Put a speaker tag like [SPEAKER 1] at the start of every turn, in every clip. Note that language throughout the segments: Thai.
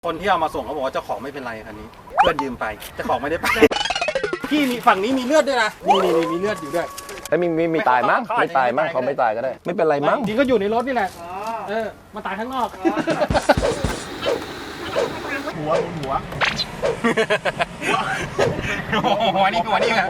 [SPEAKER 1] คนที่เอามาส่งเขาบอกว่าเจ้าของไม่เป็นไรคันนี้เพื่อนยืมไปเจ้าของไม่ได้ไปพี่มีฝั่งนี้มีเลือดด้วยนะนี่มีเลือดอยู่ด้วย
[SPEAKER 2] แล้วมีตายมั้งไม่ตายมั้งเขาไม่ตายก็ได้ไม่เป็นไรมั้ง
[SPEAKER 1] จริงก็อยู่ในรถนี่แหละมาตายข้างนอกหัวหัวนี่ครับ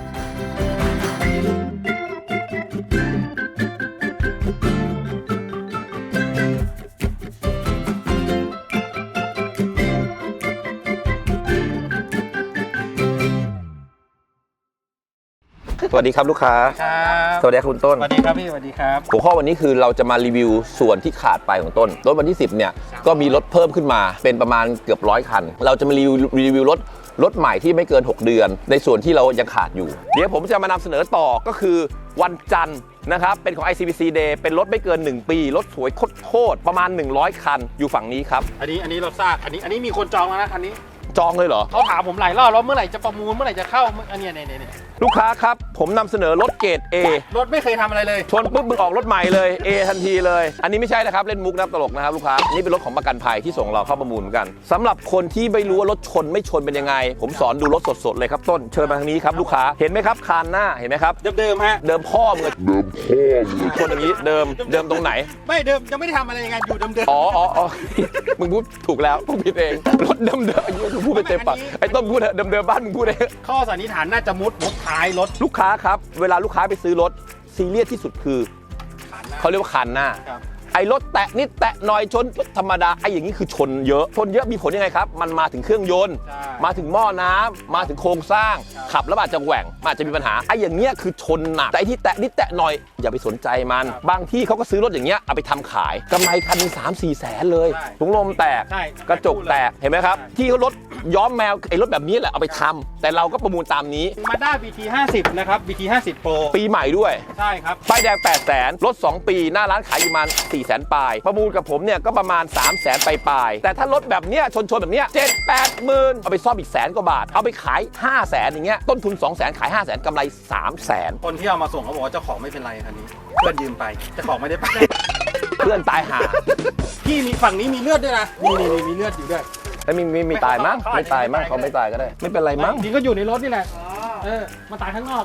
[SPEAKER 2] สวัสดีครับลูกค้าสวัสดีครับคุณต้น
[SPEAKER 1] สวัสดีครับพี่สวัสดีครับ
[SPEAKER 2] หัวข้อวันนี้คือเราจะมารีวิวส่วนที่ขาดไปของต้นรถวันที่10เนี่ยก็มีรถเพิ่มขึ้นมาเป็นประมาณเกือบ100 คันเราจะมารีวิวรถใหม่ที่ไม่เกิน6เดือนในส่วนที่เรายังขาดอยู่เดี๋ยวผมจะมานำเสนอต่อก็คือวันจันทร์นะครับเป็นของ ICBC Day เป็นรถไม่เกิน1ปีรถสวยโคตรประมาณ100 คันอยู่ฝั่งนี้ครับ
[SPEAKER 1] อันนี้รถซากอันนี้มีคนจองแล้วนะคันนี้
[SPEAKER 2] จองเลยเหรอ
[SPEAKER 1] เขาถามผมหลายรอบแล้วเมื่อไหร่จะประมูลเมื่อไหร่จะเข้าอันนี้
[SPEAKER 2] ลูกค้าครับผมนำเสนอรถเกรด A
[SPEAKER 1] รถไม่เคยทำอะไรเลย
[SPEAKER 2] ชนปุ๊บมึงออกรถใหม่เลย A ทันทีเลยอันนี้ไม่ใช่นะครับเล่นมุกนับตลกนะครับลูกค้านี่เป็นรถของประกันภัยที่ส่งเราเข้าประมูลเหมือนกันสำหรับคนที่ไม่รู้ว่ารถชนไม่ชนเป็นยังไงผมสอนดูรถสดๆเลยครับต้นเชิญมาทางนี้ครับลูกค้าเห็นไหมครับคานหน้าเห็นไหมครับ
[SPEAKER 1] เดิมฮะ
[SPEAKER 2] เดิมพ่อมึงชนอย่างนี้เดิมตรงไหน
[SPEAKER 1] ไม่เดิมยังไม่ได้ทำอะไรยังไงอยู่เดิม
[SPEAKER 2] อ๋อมึงพูดถูกแล้วพูดผิดเองรถเดิมมึงพูดไปเต็มปากไอ้ต้นพูดเดิมบ้านมึงพูดเอง
[SPEAKER 1] ข้อสันนิษฐานน่าจะมุดท้ายรถ
[SPEAKER 2] ลูกค้าครับเวลาลูกค้าไปซื้อรถซีเรียสที่สุดคือเขาเรียกว่าคันหน้าไอ้รถแตะนิดแตะหน่อยชนธรรมดาไอ้อย่างนี้คือชนเยอะมีผลยังไงครับมันมาถึงเครื่องยนต์มาถึงหม้อน้ำมาถึงโครงสร้างขับแล้วอาจจะแหว่งอาจจะมีปัญหาไอ้อย่างเงี้ยคือชนหนักแต่ที่แตะนิดแตะหน่อยอย่าไปสนใจมันบางที่เขาก็ซื้อรถอย่างเงี้ยเอาไปทำขายกำไรคันนึง3-4 แสนเลยถุงลมแตกกระจกแตกเห็นไหมครับที่เขารถย้อมแมวไอ้รถแบบนี้แหละเอาไปทำแต่เราก็ประมูลตามนี้
[SPEAKER 1] Mazda BT 50นะครับ BT 50 Pro
[SPEAKER 2] ปีใหม่ด้วย
[SPEAKER 1] ใช่ครับ
[SPEAKER 2] ป้ายแดง8 แสนรถ2 ปีหน้าร้านขายอยู่ประมาณ4 แสนปลายประมูลกับผมเนี่ยก็ประมาณ3 แสนปลายแต่ถ้ารถแบบเนี้ยชนแบบเนี้ย7-8 หมื่นเอาไปซ่อมอีก100,000 กว่าบาทเอาไปขาย5 แสนอย่างเงี้ยต้นทุน2 แสนขาย5 แสนกำไร3 แสน
[SPEAKER 1] คนที่เอามาส่งเขาบอกว่าเจ้าของไม่เป็นไรคันนี้เพื่อนยืมไปเจ้าของไม่ได้ไป
[SPEAKER 2] เพื่อนตายหา
[SPEAKER 1] พี่มีฝั่งนี้มีเลือดด้วยนะนี่มีเลือดอยู่ด้วย
[SPEAKER 2] แล้วมีตายมั้งไม่ตายมั้งเขาไม่ตายก็ได้ไม่เป็นไรมั้ง
[SPEAKER 1] จริงก็อยู่ในรถนี่แหละมาตายข้างนอก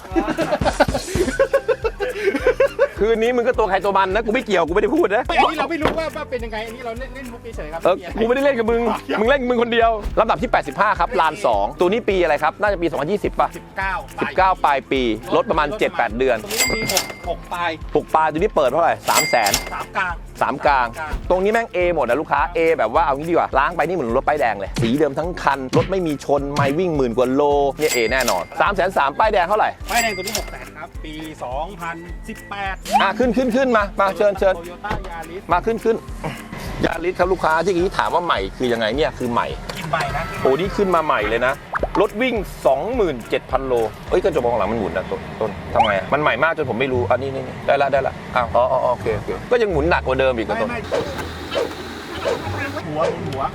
[SPEAKER 2] คืนนี้มึงก็ตัวใครตัวมันนะกูไม่เกี่ยวกูไม่ได้พูดนะ
[SPEAKER 1] อันนี้เราไม่รู้ว่าเป็นยังไงอันนี้เราเล่นมุกเฉยๆครับ
[SPEAKER 2] กูไม่ได้เล่นกับมึงเล่นกับมึงคนเดียวลำดับที่85ครับลาน2ตัวนี้ปีอะไรครับน่าจะปี2020ป่ะ19ปลายปีรถประมาณ 7-8 เดือน
[SPEAKER 1] ตัวนี้มี6 ปลาย
[SPEAKER 2] ตัวนี้เปิดเท่าไหร่3 แสน3 กลางตรงนี้แม่ง A หมดนะลูกค้า A แบบว่าเอางี้ดีกว่าล้างไปนี่เหมือนรถป้ายแดงเลยสีเดิมทั้งคันรถไม่มีชนไม่วิ่ง10,000 กว่าโลเนี่ย A แน่นอน3,300,000ป้ายแดงเท่าไหร่
[SPEAKER 1] ป้ายแดงตัวนี้6 แสนครับปี2018
[SPEAKER 2] ขึ้นมาเชิญ
[SPEAKER 1] Toyota Yaris
[SPEAKER 2] มาขึ้นยาริสครับลูกค้าที่ถามว่าใหม่คือยังไงเนี่ยคือใหม่
[SPEAKER 1] นะ
[SPEAKER 2] โอ้นี่ขึ้นมาใหม่เลยนะรถวิ่ง 27,000 โลเอ้ยกระจกมองหลังมันหมุนนะต้นทำไงมันใหม่มากจนผมไม่รู้อันนี้ได้ละอ้าวโอเคก็ยังหมุนหนักกว่าเดิมอีกต้น
[SPEAKER 1] หัว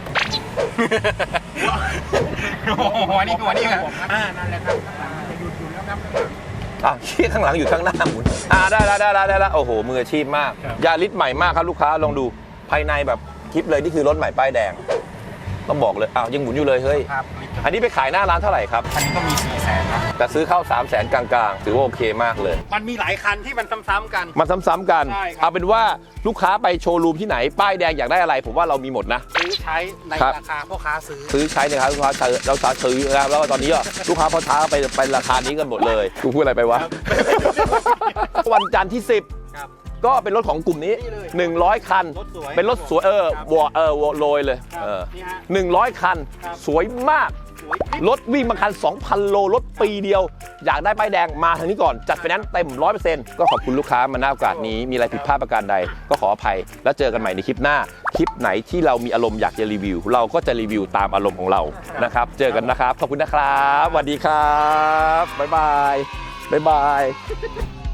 [SPEAKER 1] นี่ครับนั่นแหละครับหยุดแล้วครับ
[SPEAKER 2] ขี้ข้างหลังอยู่ข้างหน้าหมุนได้ละโอ้โหมืออาชีพมากยาริสใหม่มากครับลูกค้าลองดูภายในแบบคลิปเลยนี่คือรถใหม่ป้ายแดงต้องบอกเลยยังหมุนอยู่เลยเฮ้ยอันนี้ไปขายหน้าร้านเท่าไหร่ครับ
[SPEAKER 1] อันนี้ก็มี4 แสนนะ
[SPEAKER 2] แต่ซื้อเข้า3 แสนกลางๆถือว่าโอเคมากเลย
[SPEAKER 1] มันมีหลายคันที่มันซ้ำๆกัน
[SPEAKER 2] เอาเป็นว่าลูกค้าไปโชว์รูมที่ไหนป้ายแดงอยากได้อะไรผมว่าเรามีหมดนะ
[SPEAKER 1] ซื้อใช้ในราคาพ่อค้าซื้อ
[SPEAKER 2] ใช้ในราคาลูกค้าซื้อนะครับแล้วตอนนี้ลูกค้าพ่อค้าไปราคานี้กันหมดเลยกูพูดอะไรไปวะวันจันทร์ที่10ก็เป็นรถของกลุ่มนี้100 คันเป็นรถสวยโรยเลย100 คันสวยมากรถวิ่งมาคัน 2,000 โลรถปีเดียวอยากได้ป้ายแดงมาทางนี้ก่อนจัดไฟแนนซ์เต็ม 100% ก็ขอบคุณลูกค้ามาณโอกาสนี้มีอะไรผิดพลาดประการใดก็ขออภัยแล้วเจอกันใหม่ในคลิปหน้าคลิปไหนที่เรามีอารมณ์อยากจะรีวิวเราก็จะรีวิวตามอารมณ์ของเรานะครับเจอกันนะครับขอบคุณนะครับสวัสดีครับบ๊ายบาย